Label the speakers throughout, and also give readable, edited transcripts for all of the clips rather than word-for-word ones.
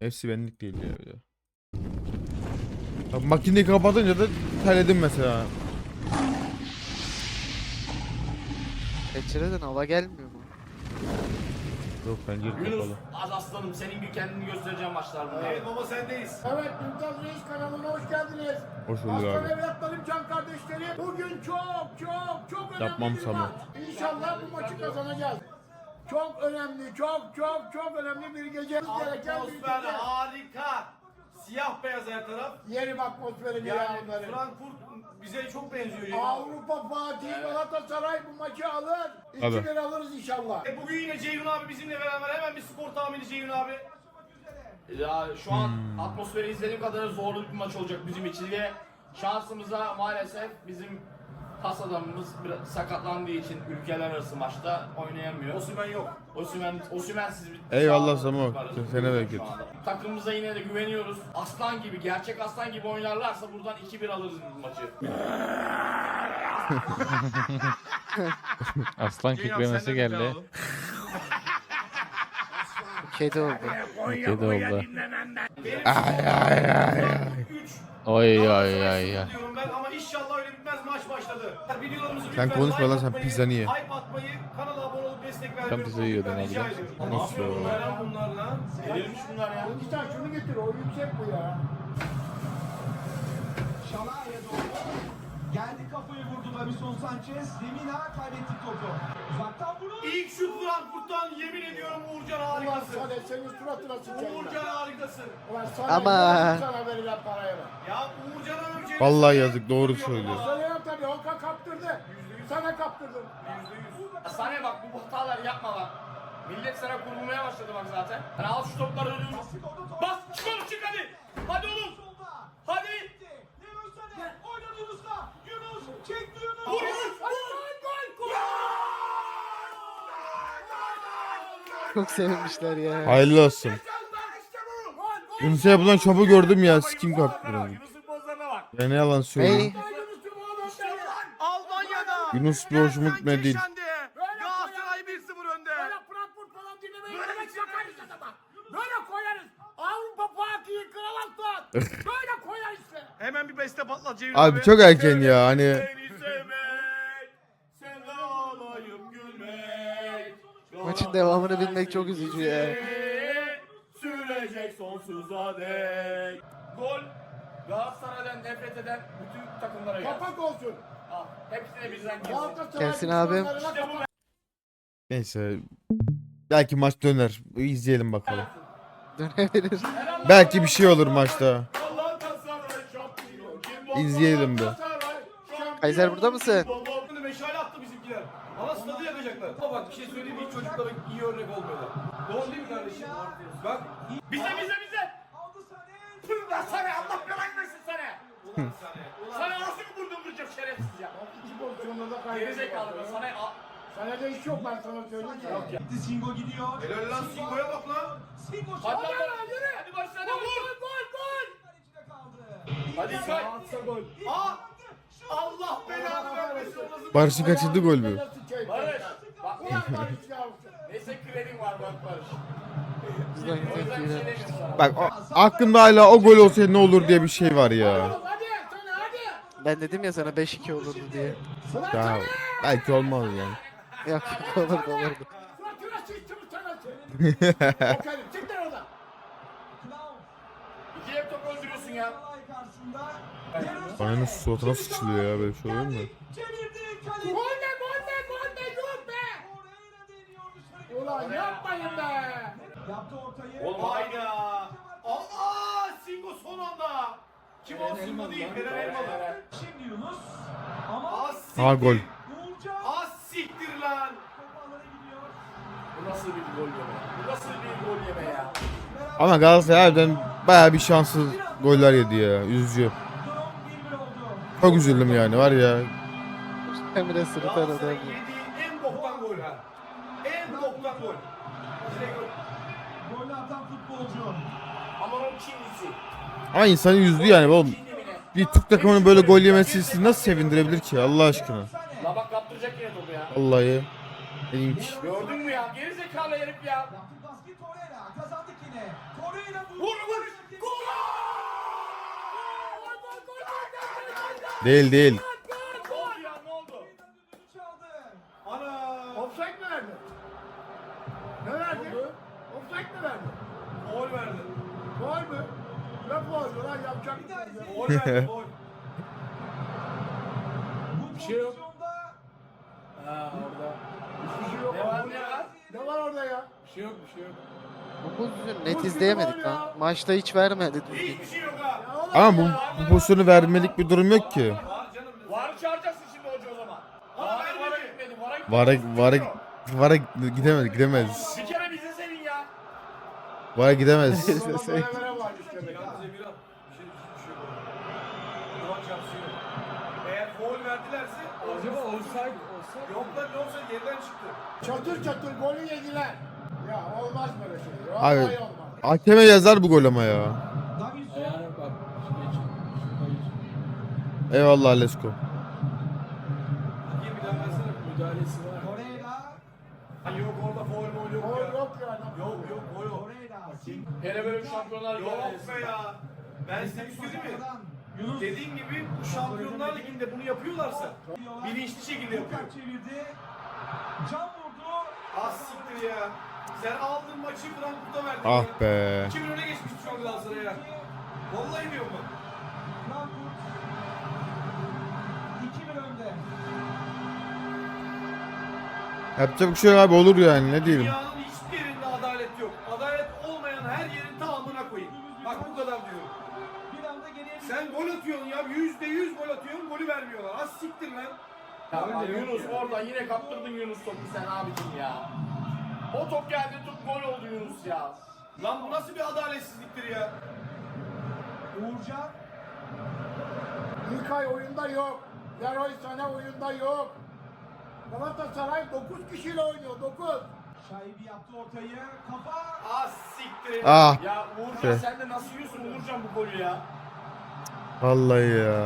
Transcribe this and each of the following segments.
Speaker 1: Hepsi benlik değil ya. Bir de. Bak, makineyi kapatınca da terledim mesela.
Speaker 2: Pencereden hava gelmiyor mu?
Speaker 1: Yok pencere
Speaker 3: Yunus,
Speaker 1: kapalı.
Speaker 3: az aslanım senin bir kendini göstereceğim maçlarda.
Speaker 4: Evet baba sendeyiz.
Speaker 5: Evet, Mümtaz Reis kanalına hoş geldiniz.
Speaker 1: Hoş bulduk
Speaker 5: Aslan
Speaker 1: abi.
Speaker 5: evlatlarım, can kardeşlerim. Bugün çok önemli
Speaker 1: Yapmam
Speaker 5: bir
Speaker 1: Samet.
Speaker 5: maç. İnşallah bu maçı kazanacağız. Çok önemli, çok önemli bir gece. Gereken bir
Speaker 4: Atmosfer
Speaker 5: gece.
Speaker 4: harika. Siyah beyaz her taraf.
Speaker 5: Yerim atmosferini
Speaker 4: Yani
Speaker 5: ya bunları.
Speaker 4: Frankfurt bize çok benziyor.
Speaker 5: Avrupa Fatih Galatasaray bu maçı alır.
Speaker 1: Tabii.
Speaker 5: 2-1 alırız inşallah.
Speaker 4: Bugün yine Ceyhun abi bizimle beraber hemen bir skor tahmini Ceyhun abi.
Speaker 3: Ya şu an atmosferi izlediğim kadar zorlu bir maç olacak bizim için ve şansımıza maalesef bizim pas adamımız biraz sakatlandığı için ülkeler arası maçta oynayamıyor.
Speaker 4: Osimhen yok.
Speaker 3: Osimhen'siz bir
Speaker 1: Eyvallah
Speaker 3: sağ olun
Speaker 1: Samo.
Speaker 3: varız.
Speaker 1: Sene bereket.
Speaker 3: Şu anda. Takımımıza yine de güveniyoruz. Aslan gibi, gerçek aslan gibi oynarlarsa buradan 2-1 alırız bu maçı.
Speaker 6: Aslan kükremesi geldi.
Speaker 2: Kedi oldu.
Speaker 6: Kedi oldu.
Speaker 4: Üç.
Speaker 6: Oy oy oy.
Speaker 4: Diyorum ben ama inşallah öyle bitmez maç başladı. Videolarımızı
Speaker 1: Sen
Speaker 4: lütfen
Speaker 1: konuşma lan,
Speaker 4: like
Speaker 1: sen
Speaker 4: atmayı,
Speaker 1: pizzanı ye.
Speaker 4: Hype atmayı, kanala abone olup destek vermeyi
Speaker 6: Sen pizza yiyordun
Speaker 4: unutmayın, rica
Speaker 6: abi.
Speaker 4: ediyorum.
Speaker 1: Nasıl
Speaker 4: Ne yapıyor
Speaker 1: ya?
Speaker 4: bunlar lan bunlarla?
Speaker 3: Verilmiş bunlar ya.
Speaker 5: Sen şunu getir, o yüksek bu ya.
Speaker 7: Şalaya doğru. Geldi kafayı vurdu Davison Sanchez. Lemina kaybetti topu. Uzaktan vurur.
Speaker 4: İlk şut Frankfurt'tan yemin ediyorum Uğurcan
Speaker 5: Ulan
Speaker 4: harikasın.
Speaker 5: Sade senin suratına sıçayım
Speaker 4: Uğurcan
Speaker 5: ben.
Speaker 4: harikasın.
Speaker 5: Ulan Sade,
Speaker 2: Ama-
Speaker 5: gördün sana verilen paraya bak.
Speaker 4: Ya Uğurcan'a öveceğim.
Speaker 1: Vallahi yazık, doğru söylüyor.
Speaker 5: Sana tabii Oka kaptırdı. Sana kaptırdım.
Speaker 3: Sana bak bu hataları yapma bak. Millet sana kurulmaya başladı bak zaten. Hani al şu topları önüne. Bas çık oğlum çık hadi. Hadi oğlum. Hadi.
Speaker 7: Leroy Sané. Oynadı Yunus'la. Yunus çekti Yunus.
Speaker 3: Vur Yunus.
Speaker 2: Çok sevinmişler ya.
Speaker 1: Hayırlı olsun. Yunus'a yapılan şopu gördüm ya. Sikim kalktı biraz.
Speaker 3: Yunus'un pozlarına bak.
Speaker 1: Ya ne yalan söyleyeyim.
Speaker 2: Hey.
Speaker 4: Almanya'da.
Speaker 1: Yunus bir hoşuma gitmedi değil.
Speaker 4: Galatasaray 1-0 önde.
Speaker 5: Böyle Frankfurt falan dinlemeyin. Böyle bakarız adama. Böyle koyarız. Avrupa Fatih'i kral Aslan. Böyle koyar işte.
Speaker 4: Hemen bir beste patlat Ceyhun
Speaker 1: Abi çok erken ya hani.
Speaker 4: Seni sevmek, sen ağlayıp gülmek.
Speaker 2: Maçın devamını bilmek çok üzücü ya.
Speaker 3: Sürecek sonsuza dek. Gol. Galatasaray'dan nefret eden bütün takımlara gelsin.
Speaker 5: Kapak olsun.
Speaker 3: Al. Hepsine bizden gelsin.
Speaker 5: Galatasaray
Speaker 2: Gelsin abi.
Speaker 5: düşmanlarına kapak.
Speaker 1: Neyse. Belki maç döner. İzleyelim bakalım.
Speaker 2: Dönebilir.
Speaker 1: Belki bir şey olur maçta.
Speaker 3: Galatasaray şampiyon. Kim bu?
Speaker 1: İzleyelim be.
Speaker 2: Kaiser burada mısın?
Speaker 4: Şimdi meşale attı bizimkiler. Ama stadı yakacaklar. Ama bak bir şey söyleyeyim mi? Çocuklara iyi örnek olmuyorlar. Doğru değil mi kardeşim? Bak.
Speaker 3: Bize.
Speaker 7: Aldı Sané.
Speaker 3: Tüm lan sana Allah belanı versin sana. Sana nasıl bir vurdum vuracağım şerefsiz ya.
Speaker 5: İki pozisyonda da
Speaker 3: Geri
Speaker 5: kaybediyor.
Speaker 3: zekalı ben sana
Speaker 5: Sana da iş yok ben sana söyleyeyim ki.
Speaker 7: Gitti Singo gidiyor.
Speaker 4: Helal lan Singo'ya bak lan.
Speaker 7: Singo
Speaker 3: Hadi
Speaker 7: çaldı.
Speaker 3: lan yürü. Hadi Barış hadi vur.
Speaker 7: Kalecide kaldı.
Speaker 3: Hadi say.
Speaker 4: Aa! Allah belanı vermesin.
Speaker 1: Barış'ın kaçırdığı gol mü?
Speaker 3: Barış. Bak
Speaker 5: Ulan Barış ya.
Speaker 3: neyse kredin var bak Barış.
Speaker 2: Bizden
Speaker 3: O yüzden bir şey
Speaker 2: tepkiler.
Speaker 3: demiyorum sana.
Speaker 1: Bak aklımda hala o gol olsaydı ne olur diye bir şey var ya.
Speaker 5: Oğlum hadi sana hadi.
Speaker 2: Ben dedim ya sana 5-2 olurdu diye.
Speaker 1: Ya belki olmaz yani.
Speaker 2: Yok yok olurdu olurdu.
Speaker 5: Suratına sıçtım sana. Bakarım çık lan oradan.
Speaker 7: Knauf.
Speaker 3: İki hep top öldürüyorsun ya.
Speaker 7: Şalay karşısında.
Speaker 1: Bana nasıl suratına sıçılıyor ya, böyle şey olur mu?
Speaker 7: Çevirdi. Kaleci.
Speaker 5: Gol be dur be.
Speaker 7: Oraya deniyor dışarı.
Speaker 5: Ulan yapmayın be.
Speaker 7: Yaptı ortayı.
Speaker 3: Oğlum
Speaker 4: Hayda. Aa! Singo son anda. Kim o Singo değil. Eren Elmalı.
Speaker 7: Şimdi Yunus. Ama
Speaker 4: Aa siktir.
Speaker 1: Ha, gol.
Speaker 7: Uğurcan.
Speaker 4: Aa siktir lan.
Speaker 7: Toparlara gidiyor.
Speaker 3: Bu nasıl bir gol yeme? Bu nasıl bir gol yeme ya?
Speaker 1: Ama Galatasaray harbiden bayağı bir şanssız goller yedi ya. Üzücü.
Speaker 7: Durum 1-1 oldu.
Speaker 1: Çok üzüldüm yani var ya.
Speaker 2: Emre sırıtan adam.
Speaker 4: Galatasaray yediği en boktan gol ha. En boktan gol. Direkt gol.
Speaker 7: Golü atan futbolcu.
Speaker 3: Aman o Çinlisi.
Speaker 1: Ama insanı üzdü yani oğlum.
Speaker 3: Çinli mi ne?
Speaker 1: Bir Türk takımının böyle gol yemesi sizi nasıl sevindirebilir ki Allah aşkına?
Speaker 3: La bak kaptıracak yine topu ya.
Speaker 1: Vallahi. İlginç.
Speaker 3: Gördün mü ya? Geri zekalı herif ya.
Speaker 7: Yaptı baskı Torreira. Kazandık yine. Torreira vurdu.
Speaker 3: Vur
Speaker 1: Değil değil.
Speaker 3: Ne oldu ya ne oldu?
Speaker 7: çaldı.
Speaker 4: Ana.
Speaker 5: Offside mi verdi? Ne verdi? Offside mi verdi?
Speaker 4: Gol verdi.
Speaker 5: Gol mü? Ne gol lan yapacak
Speaker 7: Bir daha
Speaker 5: bir şey yok.
Speaker 7: izleyelim.
Speaker 4: Gol verdi gol.
Speaker 7: Bu
Speaker 5: şey yok.
Speaker 7: pozisyonda
Speaker 3: Ha orada.
Speaker 5: Hiçbir şey yok.
Speaker 3: Ne var ne var?
Speaker 5: Ne var orada ya?
Speaker 4: Bir şey yok bir şey yok.
Speaker 2: Bu pozisyonu net izleyemedik lan. Maçta hiç vermedi düzgün.
Speaker 4: Hiçbir şey yok ha.
Speaker 5: Ya oğlum
Speaker 1: Ama
Speaker 5: ya.
Speaker 1: bu pozisyonu vermelik bir durum yok ki.
Speaker 4: Var canım.
Speaker 3: Var çağıracaksın şimdi hoca o zaman.
Speaker 4: Ama
Speaker 3: Vara
Speaker 4: vermedi.
Speaker 3: gitmedi. Vara gitmedi.
Speaker 1: Vara gidemez.
Speaker 3: Bir kere bize senin ya.
Speaker 1: Vara gidemez.
Speaker 5: Sonra böyle varmış demek.
Speaker 4: Yalnız Emirhan. Bir şey yok. Ulan çarpısı yok. Eğer gol verdilerse acaba offside yok lan ne olsa geriden çıktı.
Speaker 5: Çatır çatır golü yediler. Ya olmaz böyle şey.
Speaker 1: Abi
Speaker 5: Vallahi olmaz.
Speaker 1: hakeme yazar bu gol ama ya.
Speaker 7: Davinson.
Speaker 1: Eyvallah Lesko.
Speaker 4: Bakayım bir daha versene. Müdahalesi var.
Speaker 7: Torreira.
Speaker 4: Yok orada foul mol yok
Speaker 5: Gol
Speaker 4: ya.
Speaker 5: yok ya.
Speaker 4: Yok yok gol yok.
Speaker 7: Torreira.
Speaker 3: Hele böyle bir şampiyonlar
Speaker 4: Yok
Speaker 3: gelmesin.
Speaker 4: be ya. Ben size bir söyleyeyim mi?
Speaker 7: Yunus.
Speaker 4: Dediğim gibi bu Şampiyonlar Ligi'nde bunu yapıyorlarsa bilinçli şekilde yapıyor.
Speaker 7: Lukaku çevirdi. Can vurdu.
Speaker 4: Az siktir ya. Sen aldın maçı Frankfurt'a verdin.
Speaker 1: Ah
Speaker 4: ya.
Speaker 1: be.
Speaker 4: 2-1 öne geçmişti şu an Galatasaray'a. Vallahi diyorum bak.
Speaker 7: Frankfurt 2-1 önde.
Speaker 1: Yapacak bir şey yok abi, olur yani, ne diyelim.
Speaker 4: Dünyanın hiçbir yerinde adalet yok. Adalet olmayan her yerin tamamına koyayım. Bak bu kadar diyorum.
Speaker 7: Bir anda geriye bir
Speaker 4: Sen gol atıyorsun ya. %100 gol atıyorsun. Golü vermiyorlar. Az siktir lan.
Speaker 3: Ya Yunus orada yine kaptırdın Yunus topu sen abicim ya. O top geldi top gol oldu Yunus ya.
Speaker 4: Lan bu nasıl bir adaletsizliktir ya?
Speaker 7: Uğurcan.
Speaker 5: İlkay oyunda yok. Leroy Sané oyunda yok. Galatasaray 9 kişiyle oynuyor. 9.
Speaker 7: Şaibi yaptı ortayı. Kafa.
Speaker 4: Az siktir.
Speaker 1: Ah
Speaker 3: Ya Uğurcan
Speaker 1: Şey.
Speaker 3: sen de nasıl yiyorsun Uğurcan bu golü ya?
Speaker 1: vallahi ya.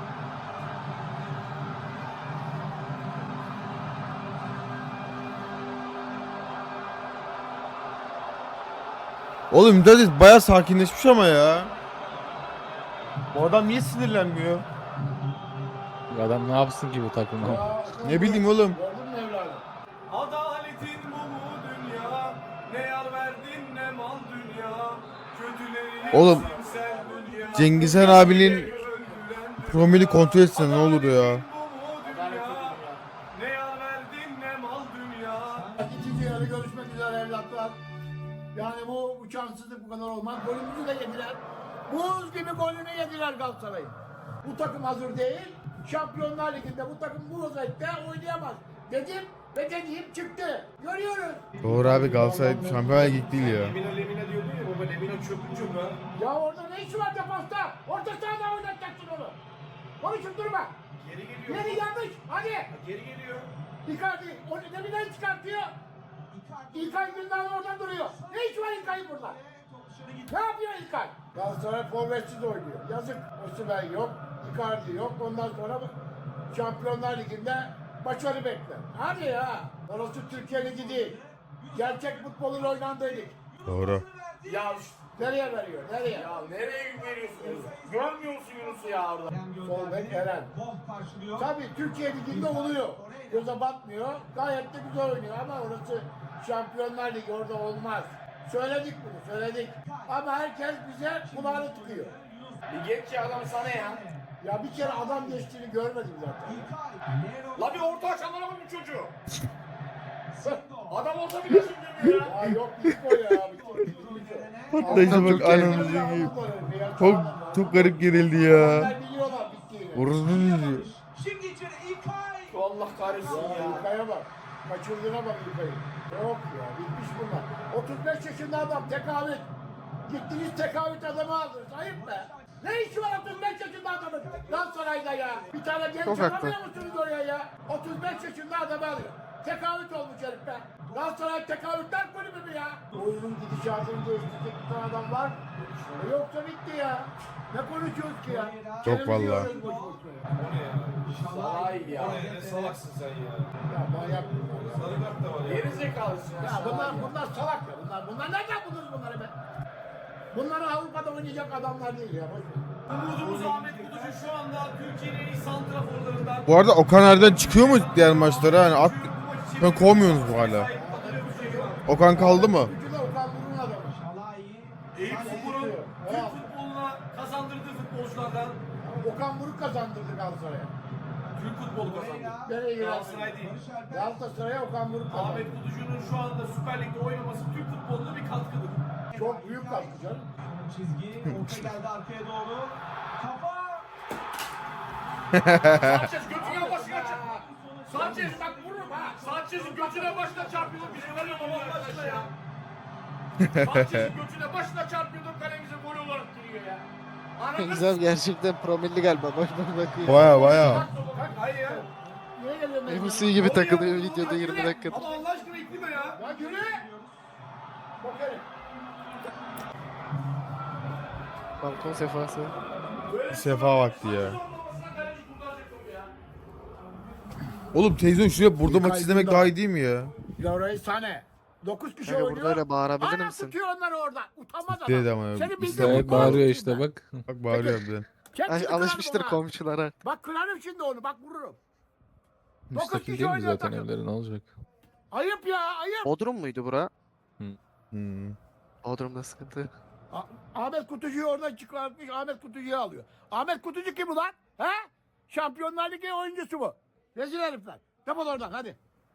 Speaker 1: Oğlum Müdahale bayağı sakinleşmiş ama ya. Bu adam niye sinirlenmiyor?
Speaker 6: Bu adam ne yapsın ki bu takıma?
Speaker 5: Ya,
Speaker 1: Ne bileyim oğlum.
Speaker 5: Gördün mü evladım?
Speaker 4: Adaletin bu mu dünya? Ne yar verdin ne mal dünya? Kötüleri
Speaker 1: Oğlum,
Speaker 4: sen dünya.
Speaker 1: Cengizhan abinin promili kontrol etsene ne olur ya.
Speaker 4: Bu mu
Speaker 3: Adalet
Speaker 4: dünya?
Speaker 3: edin ya.
Speaker 4: Ne yar verdin ne mal dünya?
Speaker 5: İkinci yarı görüşmek üzere evlatlar. Yani bu şanssızlık bu kadar olmaz. Golümüzü de yediler. Buz gibi golünü yediler Galatasaray'ın. Bu takım hazır değil. Şampiyonlar Ligi'nde bu takım bu özellikle oynayamaz. Dedim ve dediğim çıktı. Görüyoruz.
Speaker 1: Doğru abi, Galatasaray Şampiyonlar Ligi değil ya.
Speaker 4: Lemina diyordu ya baba Lemina çöpün çöpü ha.
Speaker 5: Ya orada ne işi var defansta? Orta sahada oynatacaksın onu. Konuşup durma.
Speaker 4: Geri geliyor.
Speaker 5: Yeri yanlış. Hadi.
Speaker 4: Geri geliyor.
Speaker 5: Icardi. Onu deminden çıkartıyor. İlkay Gündoğan oradan duruyor. Ne iş var İlkay'ın burada? Ne yapıyor İlkay? Galatasaray forvetsiz oynuyor. Yazık. Osimhen yok. Icardi yok. Ondan sonra Şampiyonlar Ligi'nde başarı bekler. Hadi ya. Orası Türkiye Ligi değil. Gerçek futbolun oynandığı lig.
Speaker 1: Doğru.
Speaker 3: Ya
Speaker 5: Nereye veriyor? Nereye?
Speaker 3: ya nereye veriyorsun Yunus'u? Görmüyor musun Yunus'u ya orada?
Speaker 5: Sol bek Eren.
Speaker 7: Boh karşılıyor.
Speaker 5: Tabii Türkiye Ligi'nde oluyor. Göze batmıyor. Gayet de güzel oynuyor ama orası Şampiyonlar Ligi, orada olmaz. Söyledik bunu, söyledik. Ama herkes bize kulağını tıkıyor.
Speaker 3: Bir geç ya adam sana ya.
Speaker 5: Ya bir kere adam geçtiğini görmedim zaten.
Speaker 3: La bir orta açanlara bak bu çocuğu. Adam olsa bile şimdi ya.
Speaker 5: Ya yok bitti o ya. Bitti.
Speaker 1: Patlayıcı bak anamızı gibi. Çok garip gerildi ya.
Speaker 5: Onlar biliyorlar bittiğini.
Speaker 1: Orası ne diyor?
Speaker 7: Şimdi içeri İlkay.
Speaker 3: Allah kahretsin
Speaker 5: Ya
Speaker 3: ya.
Speaker 5: İlkay'a bak. Kaçırdığına bak İlkay'ı. Yok ya bitmiş bunlar. 35 yaşında adam tekavüt. Gittiniz tekavüt adamı aldınız. Ayıp be. Ne işi var 35 yaşında adamın? Galatasaray'da ya. Bir tane genç
Speaker 2: Çok haklı.
Speaker 5: alamıyor musunuz oraya ya? 35 yaşında adamı alıyor. Tekavüt olmuş herif be. Galatasaray tekavütler kulübü mü ya? Oyunun gidişatını değiştirecek bir tane adam var. Yoksa bitti ya. Ne konuşuyoruz ki ya?
Speaker 1: Çok
Speaker 5: Televizyon
Speaker 1: vallahi.
Speaker 5: izliyoruz boş boşuna ya.
Speaker 4: O ne ya?
Speaker 3: Sahi ya.
Speaker 4: O ne? Ne salaksın sen ya?
Speaker 5: Ya manyak bunlar ya.
Speaker 4: Sarı kart da var ya.
Speaker 3: Geri zekalısın ya.
Speaker 5: Ya bunlar salak ya bunlar nereden buldunuz bunları be? Bunlar Avrupa'da oynayacak adamlar değil ya. Boş ver.
Speaker 4: Umudumuz Ahmet Kutu Kutucu şu anda Türkiye'nin en iyi santraforlarından.
Speaker 1: Bu arada Okan Erden çıkıyor mu diğer maçlara? Hani at... Ben kovmuyorsunuz bu hala. Okan kaldı mı?
Speaker 5: Kutucu da Okan Buruk'un adamı.
Speaker 7: Şalai.
Speaker 4: Eyüp Spor'un Türk futboluna kazandırdığı futbolculardan
Speaker 5: Okan Buruk kazandırdı Galatasaray'a.
Speaker 4: Türk futbolu kazandı.
Speaker 5: Nereye
Speaker 4: Galatasaray
Speaker 5: girer?
Speaker 4: değil.
Speaker 5: Galatasaray'a Okan Buruk kazandı.
Speaker 4: Ahmet Kutucu'nun şu anda Süper Lig'de oynaması Türk futboluna bir katkıdır.
Speaker 5: Çok büyük katkı canım.
Speaker 7: Çizgi. Orta geldi arkaya doğru. Kafa.
Speaker 3: Sanchez götüne başına çarpıyor. Sanchez bak vururum ha. Sanchez'in götüne başına çarpıyordum. Bizi var ya Allah aşkına ya. Sanchez'in götüne başına çarpıyordum. Kalemize gol olarak giriyor ya. Anladın
Speaker 2: Güzel gerçekten promilli galiba. Bak bakıyor.
Speaker 1: Baya.
Speaker 4: Hayır ya.
Speaker 5: Niye geliyorsun?
Speaker 2: MC gibi takılıyor videoda 20 dakikadır.
Speaker 4: Ama Allah aşkına iklime ya.
Speaker 5: Ya yürü. Bakarım.
Speaker 2: Balkon sefası.
Speaker 1: Sefa vakti ya. Oğlum televizyon şuraya burada maç izlemek daha iyi değil mi ya?
Speaker 5: Laura'yı sahne. 9 kişi
Speaker 2: Kanka
Speaker 5: oynuyor.
Speaker 2: burada öyle bağırabilir
Speaker 5: Hala
Speaker 2: misin?
Speaker 5: tutuyor onları orada. Utanmaz adam.
Speaker 1: Dedi ama.
Speaker 5: Senin bildiğin
Speaker 1: İşte
Speaker 5: bu
Speaker 6: Evet,
Speaker 5: konu
Speaker 6: bağırıyor
Speaker 5: değil
Speaker 6: işte
Speaker 5: ben.
Speaker 6: bak.
Speaker 1: Bak bağırıyor harbiden.
Speaker 5: Kendini kırarım
Speaker 2: Alışmıştır
Speaker 5: ona.
Speaker 2: komşulara.
Speaker 5: Bak kırarım şimdi onu. Bak vururum.
Speaker 6: Müstakil
Speaker 5: kişi
Speaker 6: değil mi
Speaker 5: oynuyor
Speaker 6: zaten
Speaker 5: takım.
Speaker 6: evleri, ne olacak?
Speaker 5: Ayıp ya ayıp.
Speaker 2: Bodrum muydu bura?
Speaker 1: Hmm.
Speaker 2: Bodrum'da sıkıntı.
Speaker 5: Ahmet Kutucu'yu oradan çıkartmış. Ahmet Kutucu'yu alıyor. Ahmet Kutucu kim ulan? He? Şampiyonlar Ligi oyuncusu bu. Rezil herifler. Defol oradan hadi.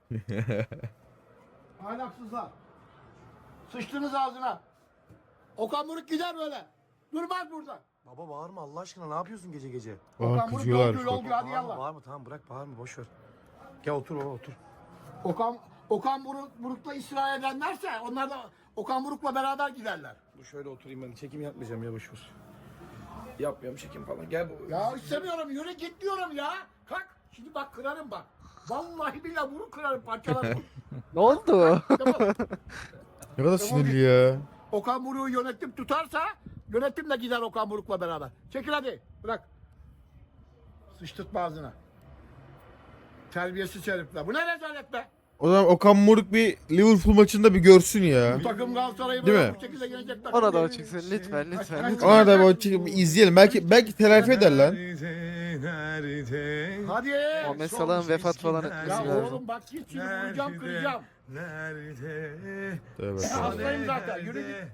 Speaker 5: Ahlaksızlar. Sıçtınız ağzına. Okan Buruk gider böyle. Durmaz burada.
Speaker 8: Baba bağırma Allah aşkına ne yapıyorsun gece gece?
Speaker 1: Aa
Speaker 5: Okan Buruk
Speaker 1: kızıyorlar.
Speaker 5: yolcu hadi
Speaker 8: Bağırma
Speaker 5: yallah.
Speaker 8: bağırma tamam bırak bağırma boş ver. Gel otur baba otur.
Speaker 5: Okan Buruk'la ısrar edenlerse onlar da Okan Buruk'la beraber giderler.
Speaker 8: Dur şöyle oturayım ben çekim yapmayacağım ya boş ver. Yapmıyorum çekim falan gel baba.
Speaker 5: Ya istemiyorum yürü git diyorum ya. Kalk. Şimdi bak kırarım bak. Vallahi billahi bunu kırarım parçalarım.
Speaker 2: Ne oldu?
Speaker 5: Defol.
Speaker 1: Ne kadar sinirli ya.
Speaker 5: Okan Buruk'u yönetim tutarsa yönetim de gider Okan Buruk'la beraber. Çekil hadi. Bırak. Sıçtırtma ağzına. Terbiyesiz herifler. Bu ne rezalet be?
Speaker 1: O zaman Okan Buruk bir Liverpool maçında bir görsün ya.
Speaker 5: Bu takım Galatasaray'ı
Speaker 1: Değil
Speaker 5: böyle
Speaker 1: mi?
Speaker 5: bu şekilde yenecek takım.
Speaker 2: Ona da o
Speaker 5: değil.
Speaker 2: çıksın lütfen lütfen
Speaker 5: Hadi.
Speaker 2: lütfen.
Speaker 1: Ona da bir izleyelim. Belki telafi eder lan.
Speaker 5: Hadi.
Speaker 2: Muhammed Salah'ın vefat falan
Speaker 5: Ya
Speaker 2: etmesi lazım.
Speaker 5: oğlum bak git şimdi vuracağım kıracağım.
Speaker 8: Nerede?
Speaker 1: Evet.
Speaker 5: Ya hastayım zaten yürü git.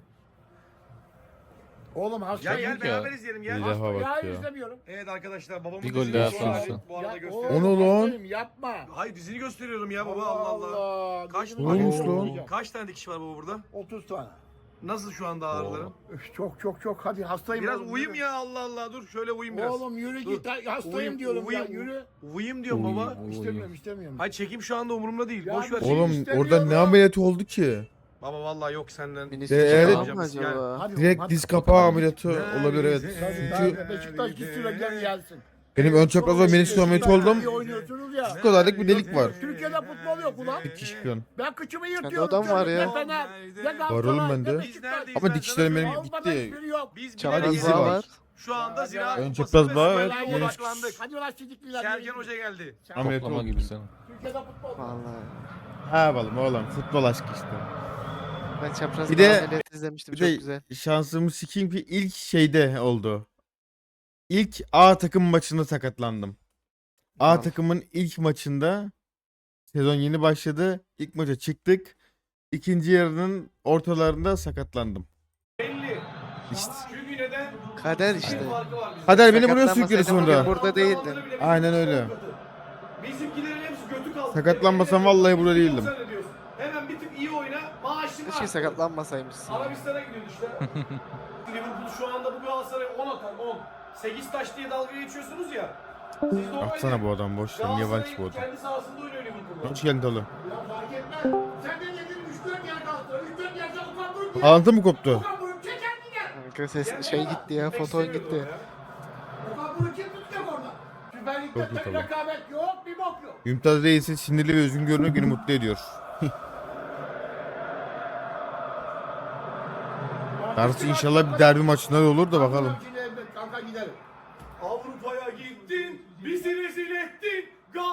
Speaker 5: Oğlum
Speaker 8: Ya
Speaker 5: hastayım.
Speaker 8: gel
Speaker 6: ya.
Speaker 8: beraber izleyelim
Speaker 1: Bir
Speaker 8: gel.
Speaker 1: daha
Speaker 5: Ya
Speaker 1: bak ya.
Speaker 5: izlemiyorum.
Speaker 8: Evet arkadaşlar babamın
Speaker 6: Bir gol
Speaker 8: dizini
Speaker 6: daha
Speaker 8: şu an
Speaker 6: atarsa.
Speaker 8: bu arada
Speaker 5: Ya
Speaker 8: gösteriyorum.
Speaker 1: O ne lan?
Speaker 5: hastayım, yapma.
Speaker 8: Hayır dizini gösteriyorum ya baba Allah Allah. Kaç-
Speaker 5: Gözüm
Speaker 1: Neymiş
Speaker 5: ağrıyor.
Speaker 1: lan?
Speaker 8: Kaç tane dikiş var baba burada?
Speaker 5: 30 tane.
Speaker 8: Nasıl şu anda ağrılarım?
Speaker 5: Üf, çok hadi hastayım.
Speaker 8: Biraz
Speaker 5: oğlum,
Speaker 8: uyuyayım
Speaker 5: yürü.
Speaker 8: ya Allah Allah dur şöyle uyuyayım biraz.
Speaker 5: Oğlum yürü
Speaker 8: Dur.
Speaker 5: git hastayım
Speaker 8: Uyuyayım,
Speaker 5: diyorum
Speaker 8: uyuyayım.
Speaker 5: ya yürü.
Speaker 8: Uyuyayım diyorum baba.
Speaker 5: İstemiyorum.
Speaker 8: Hayır çekim şu anda umurumda değil.
Speaker 5: Ya
Speaker 8: Boş ver.
Speaker 5: bir şey
Speaker 1: Oğlum
Speaker 5: istemiyorum.
Speaker 1: orada ne ameliyatı oldu ki?
Speaker 8: Baba vallahi yok senden.
Speaker 2: Ministri
Speaker 1: Evet.
Speaker 2: falan mı acaba?
Speaker 5: Hadi
Speaker 1: Direkt
Speaker 5: oğlum,
Speaker 1: diz
Speaker 5: hadi.
Speaker 1: kapağı ameliyatı olabilir evet.
Speaker 5: Hadi,
Speaker 1: Çünkü
Speaker 5: Beşiktaş gitsin ve gel gelsin.
Speaker 1: benim ön çapraz ve menisküs ameliyatı oldum.
Speaker 5: İyi oynuyorsunuz ya.
Speaker 1: Şu kadarlık bir delik var.
Speaker 5: Türkiye'de futbol yok ulan.
Speaker 1: Dikiş falan.
Speaker 5: Ben kıçımı
Speaker 2: Sende
Speaker 5: yırtıyorum.
Speaker 2: adam var
Speaker 5: çocuk,
Speaker 2: ya.
Speaker 5: Ne Fener, ne
Speaker 1: Var oğlum bende.
Speaker 5: ne Beşiktaş.
Speaker 1: Ama dikişlerim benim
Speaker 5: Avrupa'da
Speaker 1: gitti.
Speaker 5: hiçbiri yok.
Speaker 8: Biz
Speaker 2: Çapraz
Speaker 8: bile
Speaker 1: izi
Speaker 2: bağ
Speaker 1: var.
Speaker 2: var.
Speaker 8: şu anda ziraat
Speaker 1: Ön
Speaker 8: kupası
Speaker 1: çapraz
Speaker 8: ve
Speaker 1: bağ,
Speaker 8: Süper
Speaker 1: evet.
Speaker 8: Lig'e
Speaker 5: Hadi ulan-
Speaker 8: odaklandık.
Speaker 5: Hadi ulan çocuklar.
Speaker 8: Sergen Hoca geldi.
Speaker 1: Ameliyat
Speaker 6: Toplama
Speaker 1: oldu.
Speaker 6: gibi sen.
Speaker 5: Türkiye'de futbol. yok.
Speaker 2: Vallahi.
Speaker 1: Ha balım oğlum futbol aşkı işte.
Speaker 2: Ben çapraz
Speaker 1: Bir de-
Speaker 2: ameliyat izlemiştim
Speaker 1: Bir
Speaker 2: çok
Speaker 1: de
Speaker 2: güzel.
Speaker 1: şansımı sikeyim ki ilk şeyde oldu. İlk A takım maçında sakatlandım. A
Speaker 2: Tamam.
Speaker 1: takımın ilk maçında sezon yeni başladı. İlk maça çıktık. İkinci yarının ortalarında sakatlandım.
Speaker 4: Belli.
Speaker 1: İşte.
Speaker 4: Çünkü neden?
Speaker 2: Kader işte.
Speaker 4: Bir farkı var bizim.
Speaker 1: Kader beni buraya sürükledi
Speaker 2: Sakatlanmasaydın
Speaker 1: sonra.
Speaker 2: bugün burada değildin.
Speaker 1: Aynen öyle.
Speaker 4: Bizimkilerin hepsi götü kaldı.
Speaker 1: Sakatlanmasam vallahi burada değildim.
Speaker 4: Sen ne diyorsun? Hemen bir tık iyi oyna. Maaşını
Speaker 2: Keşke
Speaker 4: al.
Speaker 2: sakatlanmasaymışsın.
Speaker 4: Arabistan'a gidiyordu işte. Liverpool şu anda bu Galatasaray 10 atar 10. 8 taş diye dalga geçiyorsunuz ya. Siz normalde
Speaker 1: Atsana bu adam boş. Niye var ki bu
Speaker 4: Galatasaray'ın
Speaker 1: adam?
Speaker 4: kendi sahasında oynuyor Liverpool'da.
Speaker 1: Hoş geldin oğlum.
Speaker 5: Ya fark etmez. Sen de dedin 3-4 yer kaldı. 3-4 yerde Okan Buruk gider.
Speaker 1: Bağlantı mı koptu?
Speaker 5: Okan Buruk çeker gider.
Speaker 2: Kanka ses şey gitti ya foton gitti.
Speaker 5: Okan Buruk kim tutacak orada? Süper Lig'de
Speaker 1: Çok iyi
Speaker 5: tek
Speaker 1: tabii.
Speaker 5: rekabet yok, bir bok yok.
Speaker 1: Mümtaz Reis'in sinirli ve üzgün görünüyor günü mutlu ediyor. Darısı inşallah bir derbi maçında da olur da bakalım.
Speaker 5: Kanka gidelim.
Speaker 4: Avrupa'ya gittin, bizi rezil ettin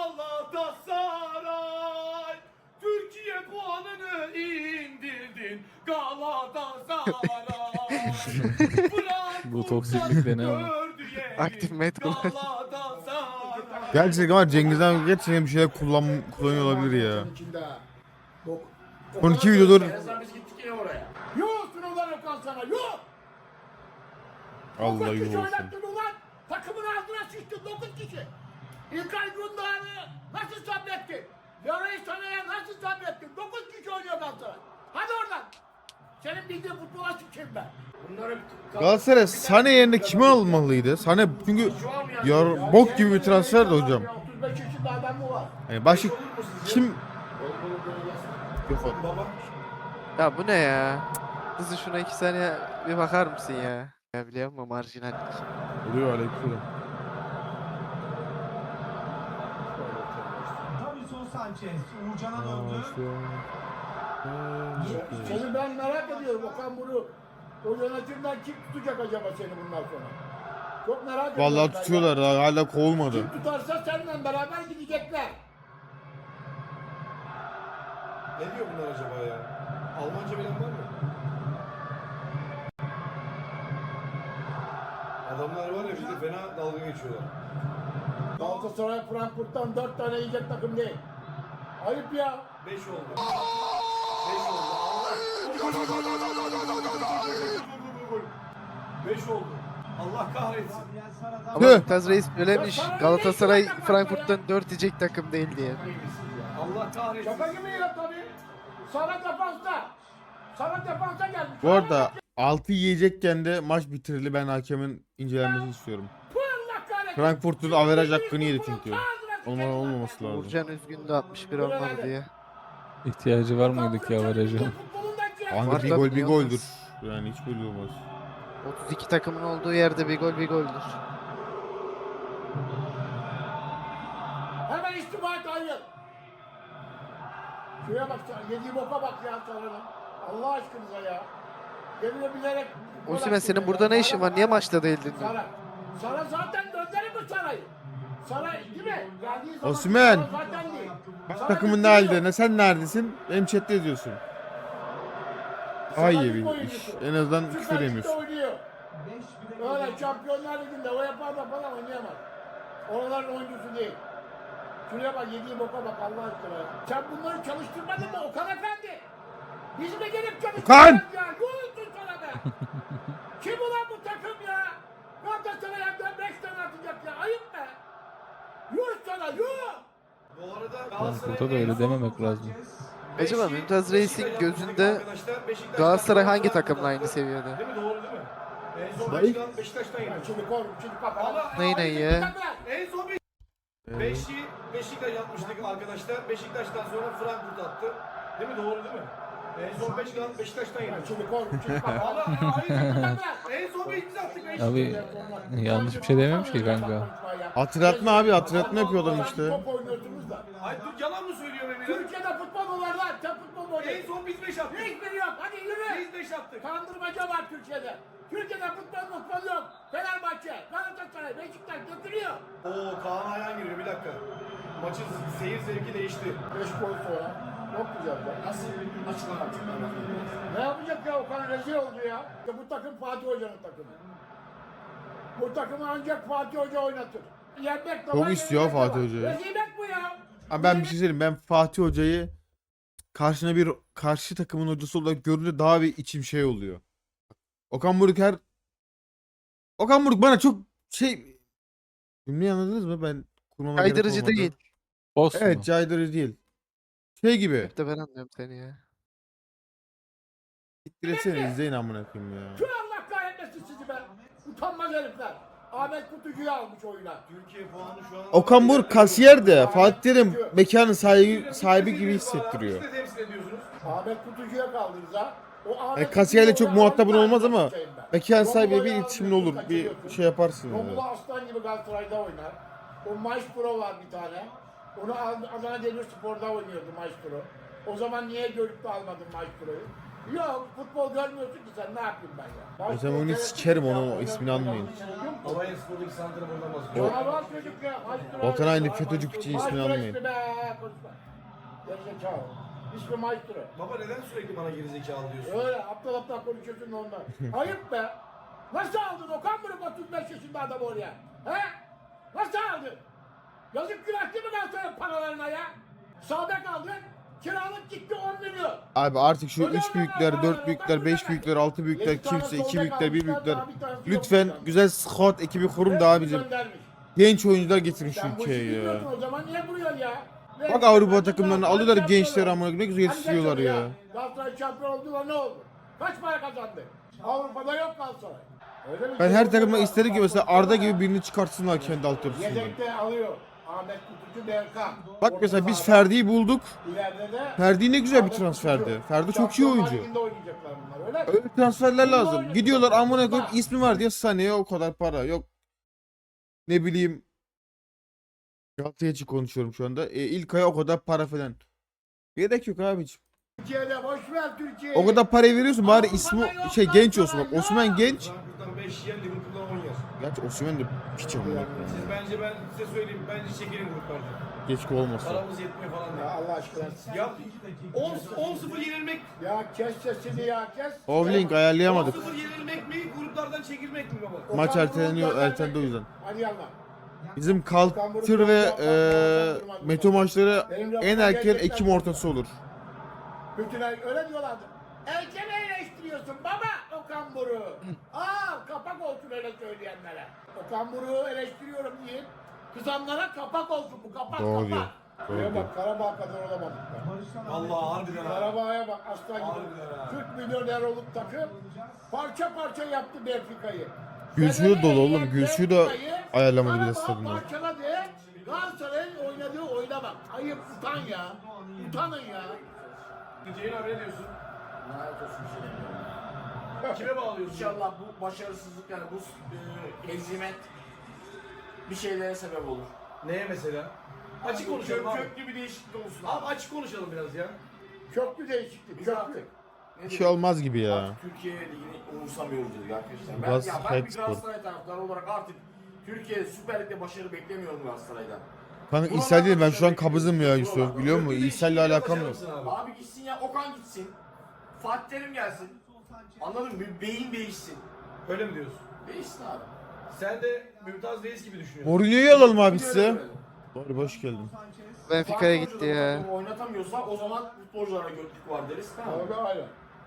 Speaker 4: Galatasaray. Türkiye puanını indirdin Galatasaray.
Speaker 6: Bu toksiklik de ne ama?
Speaker 4: Gördü
Speaker 2: Aktif med kullanıyor.
Speaker 1: Gerçekten ama Cengizhan gerçekten bir şeyler kullanıyor olabilir ya.
Speaker 5: Senin içinde ha. Bok.
Speaker 1: Son 2 videodur
Speaker 3: En azından biz gittik yine oraya.
Speaker 5: Yok ulan Okan sana yok.
Speaker 1: Allah
Speaker 5: 9 kişi
Speaker 1: yuh olsun.
Speaker 5: oynattın ulan. Takımın ağzına sıçtın 9 kişi. İlkay Gündoğan'ı nasıl sabrettin? Leroy Sanay'a nasıl sabrettin? 9 kişi oynuyor Galatasaray. Hadi oradan. Senin bildiğin futbola sıçayım ben.
Speaker 3: Bunları
Speaker 1: Galatasaray Sane yerine kimi almalıydı? Sane çünkü bok gibi bir transfer de hocam.
Speaker 5: 35 yaşında adam mı var?
Speaker 1: Yani başka kim
Speaker 2: Ya bu ne ya? Kızı şuna 2 saniye bir bakar mısın ya? Ya biliyor musun marjinallik?
Speaker 1: oluyor aleyküm.
Speaker 7: Davinson Sanchez. Uğurcan'a döndü.
Speaker 5: Seni ben merak ediyorum. Okan bunu o yönetimden kim tutacak acaba seni bundan sonra? Çok merak ediyorum.
Speaker 1: Vallahi
Speaker 5: ben
Speaker 1: tutuyorlar
Speaker 5: ya.
Speaker 1: hala kovulmadı.
Speaker 5: Kim tutarsa seninle beraber gidecekler.
Speaker 4: Ne diyor bunlar acaba ya? Almanca bilen var mı? Adamlar var ya bizde fena dalga geçiyorlar.
Speaker 5: Galatasaray Frankfurt'tan 4 tane yiyecek takım değil. Ayıp ya.
Speaker 4: 5 oldu. 5 oldu. Allah. 5 oldu. Allah kahretsin.
Speaker 7: Gabriel Sara'dan.
Speaker 2: Ama
Speaker 1: Tüh.
Speaker 2: Mümtaz Reis söylemiş. Galatasaray Frankfurt'tan 4 yiyecek takım değil diye.
Speaker 4: Allah kahretsin.
Speaker 5: Şaka gibi ya tabii. Sana defansta. Sana defansa gelmiş.
Speaker 1: Bu arada 6 yiyecekken de maç bitirildi. Ben hakemin incelenmesini istiyorum.
Speaker 5: Allah kahretsin.
Speaker 1: Frankfurt'un averaj hakkını yedi çünkü. Olmaması lazım.
Speaker 2: Uğurcan üzgündü 61 olmadı diye.
Speaker 6: İhtiyacı var mıydı ki avaraja?
Speaker 1: Kanka
Speaker 2: Var
Speaker 1: bir
Speaker 2: tabii,
Speaker 1: gol bir
Speaker 2: niye
Speaker 1: goldür.
Speaker 2: olmaz?
Speaker 1: Yani hiç böyle olmaz.
Speaker 2: 32 takımın olduğu yerde bir gol bir goldür.
Speaker 5: Hemen istifa et hayır. Şuraya bak, yediği boka bak ya Sarı'nın. Allah aşkınıza ya. Yemin bilerek...
Speaker 2: Osimhen senin burada ne işin var? Niye maçta değildin?
Speaker 5: Sara. Sara zaten gönderir mi Sara'yı? Sara değil mi? Geldiği zaman
Speaker 1: Osimhen.
Speaker 5: Sara zaten değil. Sara
Speaker 1: Takımın ne
Speaker 5: gönderiyor.
Speaker 1: halde? Ne sen neredesin? Benim chatte yazıyorsun. Daha iyi bir iş. En azından
Speaker 5: Süper
Speaker 1: küfür
Speaker 5: Lig'de
Speaker 1: yemiyorsun.
Speaker 5: oynuyor.
Speaker 7: 5-1'e
Speaker 5: Öyle
Speaker 7: geliyor.
Speaker 5: Şampiyonlar Ligi'nde UEFA'da falan oynayamaz. Oraların oyuncusu değil. Şuraya bak yediği boka bak Allah aşkına ya. Sen bunları çalıştırmadın mı Okan Efendi? Biz mi gelip çalıştıracağız ya? Yoğunsun sana be. Kim ulan bu takım ya? Galatasaray hem 5 tane atacak ya. Ayıp be. Yuh sana yuh.
Speaker 4: Bu arada
Speaker 6: Frankfurt'a da öyle dememek lazım.
Speaker 2: Acaba Mümtaz Reis'in gözünde Galatasaray hangi takımla aynı seviyede?
Speaker 4: Değil mi? Doğru değil mi? En son
Speaker 1: Dayı.
Speaker 4: Beşiktaş'tan
Speaker 5: Ya
Speaker 4: yedik.
Speaker 5: şimdi koy, şimdi kapat.
Speaker 4: Ama
Speaker 2: Ney ney ya?
Speaker 4: en son Beşi Beşiktaş yapmıştık arkadaşlar. Beşiktaş'tan sonra Frankfurt attı. Değil mi? Doğru değil mi? En son Beşiktaş'tan
Speaker 5: Ya
Speaker 4: yedik.
Speaker 5: şimdi koy, şimdi kapat.
Speaker 4: Ama hayır. En son biz attık Beşiktaş.
Speaker 6: Abi yanlış bir şey dememiş ki kanka.
Speaker 1: Hatırlatma abi, hatırlatma yapıyor adam işte.
Speaker 5: Top oynuyorsunuz da.
Speaker 4: Hayır dur yalan mı söylüyor Emir?
Speaker 5: Türkiye'de futbol mu var lan? Sen futbol mu
Speaker 4: En
Speaker 5: oynuyorsun?
Speaker 4: son biz 5 attık.
Speaker 5: Hiçbiri yok. Hadi yürü.
Speaker 4: Biz 5 attık.
Speaker 5: Kandırmaca var Türkiye'de. Türkiye'de futbol yok. Fenerbahçe, Galatasaray, Beşiktaş götürüyor.
Speaker 4: Oo Kaan Ayhan giriyor bir dakika. Maçın seyir zevki değişti.
Speaker 5: 5 gol sonra. Çok güzel be.
Speaker 3: nasıl açıklamak?
Speaker 5: Ne yapacak ya? Okan rezil oldu ya. İşte bu takım Fatih Hoca'nın takımı. Bu takımı ancak Fatih Hoca oynatır. Yenmek de
Speaker 1: Çok
Speaker 5: var,
Speaker 1: istiyor
Speaker 5: yenilmek de
Speaker 1: Fatih
Speaker 5: var.
Speaker 1: Hoca'yı.
Speaker 5: Rezilet bu ya.
Speaker 1: Ama ben bir şey söyleyeyim. Ben Fatih Hoca'yı karşı takımın hocası olarak görünce daha bir içim şey oluyor. Okan Buruk bana çok şey, cümleyi anladınız mı? Ben kurmama gerek
Speaker 2: Kaydırıcı
Speaker 1: olmadı.
Speaker 2: değil.
Speaker 6: Boss mu?
Speaker 1: Evet, caydırıcı değil. Şey gibi.
Speaker 2: Hep de ben anlıyorum seni ya.
Speaker 1: Siktir etsene, izleyin amına koyayım ya.
Speaker 5: Şu Allah kahretmesin sizi be. Utanmaz herifler. Ahmet Kutucu'yu almış oyuna.
Speaker 4: Türkiye puanı şu an...
Speaker 1: Okan Buruk kasiyer de Fatih Terim mekanın sahibi gibi hissettiriyor.
Speaker 4: Siz de temsil ediyorsunuz.
Speaker 5: Ahmet Kutucu'ya kaldınız ha. O Ahmet
Speaker 1: Kasiyerle
Speaker 5: Kutucu'yu
Speaker 1: çok muhatabın
Speaker 5: oradan
Speaker 1: olmaz ama
Speaker 5: kaçırayım ben.
Speaker 1: mekan sahibiyle bir
Speaker 5: Romulo'yu
Speaker 1: iletişimin olur.
Speaker 5: alıyorsun,
Speaker 1: Bir
Speaker 5: kaçırıyorsun.
Speaker 1: şey yaparsın yani.
Speaker 5: Romulo aslan gibi Galatasaray'da oynar. O Maestro var bir tane. Onu Adana Demirspor'da oynuyordu Maestro. O zaman niye görüp de almadın Maestro'yu? Yok, futbol görmüyorsun ki sen, ne yapayım ben ya?
Speaker 1: O zaman onu sikerim, onun ismini almayın.
Speaker 4: Alanya Spor'daki santrafordan bahsediyor.
Speaker 5: Canavar çocuk ya. Maestro.
Speaker 1: Volkan aynı FETÖ'cü piçin ismini
Speaker 5: Maestro
Speaker 1: almayın.
Speaker 5: ismi be, konuşma. Gerizekalı. İsmi Maestro.
Speaker 4: Baba neden sürekli bana gerizekalı diyorsun?
Speaker 5: Öyle aptal aptal konuşuyorsun da ondan. Ayıp be. Nasıl aldın Okan Buruk 35 yaşında adamı oraya? He? Nasıl aldın? Yazık günah değil mi Galatasaray'ın paralarına ya? Sağda kaldın, kiralık gitti 10 milyon.
Speaker 1: Abi artık şu
Speaker 5: Öyle
Speaker 1: 3 büyükler,
Speaker 5: hemen
Speaker 1: 4
Speaker 5: hemen,
Speaker 1: büyükler,
Speaker 5: Okan
Speaker 1: 5
Speaker 5: Buruk'a
Speaker 1: büyükler, 6 büyükler,
Speaker 5: Yedi tane
Speaker 1: kimse 2
Speaker 5: solda
Speaker 1: büyükler,
Speaker 5: kalmış,
Speaker 1: 1
Speaker 5: bir tane
Speaker 1: büyükler.
Speaker 5: daha, bir tanesi yok
Speaker 1: Lütfen
Speaker 5: hocam.
Speaker 1: güzel scout ekibi kurun da
Speaker 5: Hepsini
Speaker 1: abicim.
Speaker 5: göndermiş.
Speaker 1: Genç oyuncular getirin şu
Speaker 5: Sen bu işi
Speaker 1: ülkeye ya.
Speaker 5: bilmiyorsun o zaman niye duruyorsun ya?
Speaker 1: Bak Avrupa takımlarını alıyorlar gençleri amına koyayım, ne güzel yetiştiriyorlar ya.
Speaker 5: Galatasaray şampiyon oldu da ne oldu? Kaç para kazandı? Avrupa'da yok Galatasaray. Öyle bir
Speaker 1: Ben
Speaker 5: şey
Speaker 1: her
Speaker 5: yok
Speaker 1: takıma
Speaker 5: ya.
Speaker 1: isterim ki mesela Arda gibi birini çıkartsınlar kendi altyapısından.
Speaker 5: Yedekte alıyor. Ahmet Kutucu Berkan.
Speaker 1: Bak mesela
Speaker 5: Orta
Speaker 1: biz
Speaker 5: sahada.
Speaker 1: Ferdi'yi bulduk.
Speaker 5: İleride de
Speaker 1: Ferdi ne güzel bir
Speaker 5: Ahmet
Speaker 1: transferdi.
Speaker 5: Kutucu.
Speaker 1: Ferdi çok iyi
Speaker 5: Şampiyonlar
Speaker 1: oyuncu.
Speaker 5: Ligi'nde oynayacaklar bunlar öyle mi?
Speaker 1: Öyle transferler
Speaker 5: Bunlar
Speaker 1: lazım.
Speaker 5: oynayacak.
Speaker 1: Gidiyorlar amına koyup
Speaker 5: Bak.
Speaker 1: ismi var diye Sané'ye o kadar para. Yok ne bileyim. Galatasaray için konuşuyorum şu anda. İlkay'a o kadar para falan. Gerek yok abiciğim.
Speaker 5: Türkiye'de boş ver Türkiye'yi.
Speaker 1: O kadar parayı veriyorsun bari ismi
Speaker 5: Avrupa'da yok
Speaker 1: şey genç olsun. Bak
Speaker 5: Galatasaray,
Speaker 1: Osman
Speaker 5: yok.
Speaker 1: genç.
Speaker 4: Frankfurt'tan 5 yer, Liverpool'dan 10 yer.
Speaker 1: Gerçi Osimhen de piç amına.
Speaker 4: Siz bence ben size söyleyeyim. Bence çekilin gruplardan.
Speaker 1: Keşke olmasa.
Speaker 4: Paramız yetmiyor falan
Speaker 5: Ya
Speaker 4: diye.
Speaker 5: Allah aşkına.
Speaker 4: Ya 10-0 yenilmek,
Speaker 5: Ya kes sesini ya kes.
Speaker 1: Ovlink ayarlayamadık.
Speaker 4: 10-0 yenilmek mi, gruplardan çekilmek mi baba?
Speaker 5: Okan
Speaker 1: Maç
Speaker 5: Buruk'u
Speaker 1: erteleniyor,
Speaker 5: göndermek.
Speaker 1: ertelendi o yüzden.
Speaker 5: Hadi yallah.
Speaker 1: Bizim Culture ve Meto maçları en erken Ekim ortası olur.
Speaker 5: Bütün ay öyle diyorlardı. Erken eleştiriyorsun baba Okan Buruk'u. Kapak olsun öyle söyleyenlere. Okan Buruk'u eleştiriyorum diye. Kızanlara kapak olsun bu kapak
Speaker 1: Doğru
Speaker 5: kapak.
Speaker 1: diyor, doğru
Speaker 5: Şuraya
Speaker 1: diyor.
Speaker 5: bak Karabağ kadar olamadık.
Speaker 4: Allah harbiden ha.
Speaker 5: Karabağ'a bak aslan gibi.
Speaker 4: Harbiden ha.
Speaker 5: 40 milyoner olup takım parça parça yaptı Benfica'yı.
Speaker 1: Gülsü'yü dolu oğlum. Gülsü'yü de
Speaker 5: Benfica'yı
Speaker 1: ayarlamadı bir de
Speaker 5: Karabağ
Speaker 1: stadında.
Speaker 5: parçaladı. Galatasaray'ın oynadığı oyuna bak. Ayıp utan ya. Utanın ya.
Speaker 4: Ceyhun abi ne diyorsun?
Speaker 5: Lanet olsun şey.
Speaker 4: Kime bağlıyorsun?
Speaker 3: İnşallah bu başarısızlık yani bu hezimet bir şeylere sebep olur.
Speaker 4: Neye mesela? Açık konuşalım abi.
Speaker 3: Köklü bir değişiklik olsun
Speaker 4: Abi açık konuşalım biraz ya.
Speaker 5: Köklü değişiklik.
Speaker 3: Biz
Speaker 5: Köklü.
Speaker 3: artık
Speaker 1: Bir şey olmaz gibi ya.
Speaker 3: Artık Türkiye Ligi'ni umursamıyoruz dedik arkadaşlar.
Speaker 1: Galatasaray
Speaker 3: Ben bir
Speaker 1: Spor.
Speaker 3: Galatasaray taraftarı olarak artık Türkiye Süper Lig'de başarı beklemiyorum Galatasaray'dan.
Speaker 1: Kanka ishal değil, ben şu an kabızım ya Yusuf, biliyor musun? İshalle alakam yok.
Speaker 4: Abi.
Speaker 3: Abi gitsin ya Okan gitsin. Fatih Terim gelsin. Anladın mı? Bir beyin değişsin.
Speaker 4: Öyle mi diyorsun?
Speaker 3: Değişsin abi.
Speaker 4: Sen de Mümtaz Reis gibi düşünüyorsun.
Speaker 1: Mourinho'yu alalım abi
Speaker 3: Bir
Speaker 1: size.
Speaker 3: görelim.
Speaker 1: Doğru, hoş geldin.
Speaker 2: Benfica'ya
Speaker 3: Farklı
Speaker 2: gitti
Speaker 3: oyuncular
Speaker 2: ya.
Speaker 3: bu takımı oynatamıyorsa o zaman futbolculara götlük var deriz. Tamam.
Speaker 5: Öyle öyle.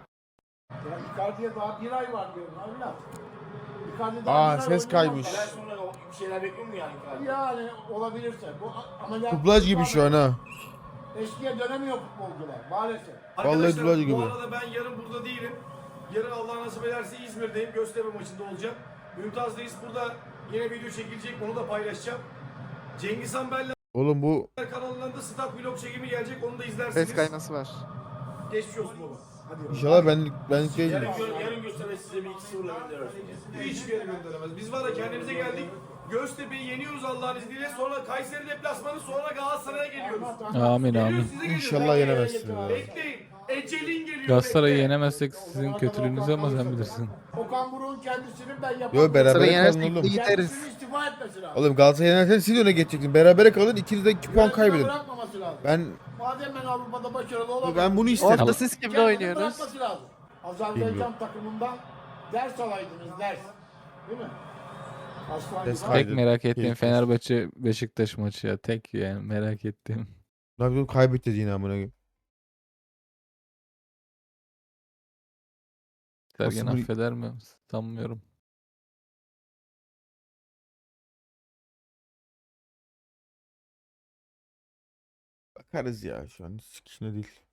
Speaker 5: Ya Icardi'ye daha bir ay var diyorum evlat. Icardi daha
Speaker 1: Aa,
Speaker 5: bir ay
Speaker 1: ses
Speaker 5: oynayamaz.
Speaker 1: kaymış.
Speaker 3: Neler sonra bir şeyler bekliyor mu yani?
Speaker 5: Yani olabilirse. Bu ameliyat.
Speaker 1: Dublaj gibi şu an ha.
Speaker 5: Eskiye dönemiyor futbolcular maalesef.
Speaker 4: Arkadaşlar
Speaker 1: dublaj
Speaker 4: bu
Speaker 1: gibi.
Speaker 4: arada ben yarın burada değilim. Yarın Allah nasip ederse İzmir'deyim. Göztepe maçında olacağım. Mümtaz Reis burada yine video çekilecek. Onu da paylaşacağım. Cengiz Han Beller
Speaker 1: Oğlum bu
Speaker 4: kanalından da stat vlog çekimi gelecek. Onu da izlersiniz.
Speaker 2: Ses kayması var.
Speaker 4: Geçmiş olsun baba. Hadi.
Speaker 1: inşallah benlik değil.
Speaker 3: Yarın gösterme size bir 2-0'la gönderiyoruz.
Speaker 4: Hiçbir yere gönderemez. Biz var ya kendimize geldik. Göztepe'yi yeniyoruz Allah'ın izniyle. Sonra Kayseri deplasmanı, sonra Galatasaray'a geliyoruz.
Speaker 6: Amin
Speaker 4: Geliyoruz,
Speaker 6: amin.
Speaker 4: size geliyoruz.
Speaker 1: İnşallah yenemezsin ya.
Speaker 4: Bekleyin. Ecelin geliyor.
Speaker 6: Galatasaray'ı
Speaker 4: bekle.
Speaker 6: yenemezsek sizin kötülüğünüzü ama sen bilirsin.
Speaker 5: Okan Buruk'un kendisinin ben yapamam.
Speaker 1: Yo, beraber
Speaker 2: Galatasaray'ı
Speaker 1: kalın
Speaker 2: yenersek
Speaker 1: oğlum.
Speaker 2: ligi gideriz.
Speaker 5: Kendisinin istifa etmesi lazım.
Speaker 1: Oğlum Galatasaray yenersen siz öne geçecektin. Berabere kalın, ikiniz de 2 puan
Speaker 5: Yönetimde
Speaker 1: kaybedin.
Speaker 5: bırakmaması lazım.
Speaker 1: Ben
Speaker 5: Madem ben Avrupa'da başarılı olamam.
Speaker 1: ben bunu isterim.
Speaker 2: Orada siz kimle
Speaker 5: Kendini
Speaker 2: oynuyorsunuz?
Speaker 5: bırakması lazım. Azerbaycan takımından ders alaydınız ders. Değil mi? Aslan
Speaker 1: Ders
Speaker 5: gibi.
Speaker 1: kaydı.
Speaker 6: Tek merak ettiğim
Speaker 1: Keyifli.
Speaker 6: Fenerbahçe Beşiktaş maçı ya. Tek yani merak ettiğim.
Speaker 1: Lan bir kaybetti yine amına koyayım.
Speaker 6: Sergen
Speaker 1: Nasıl bir-
Speaker 6: affeder mi? Sanmıyorum.
Speaker 1: Bakarız ya, şu an hiç sikişine değil.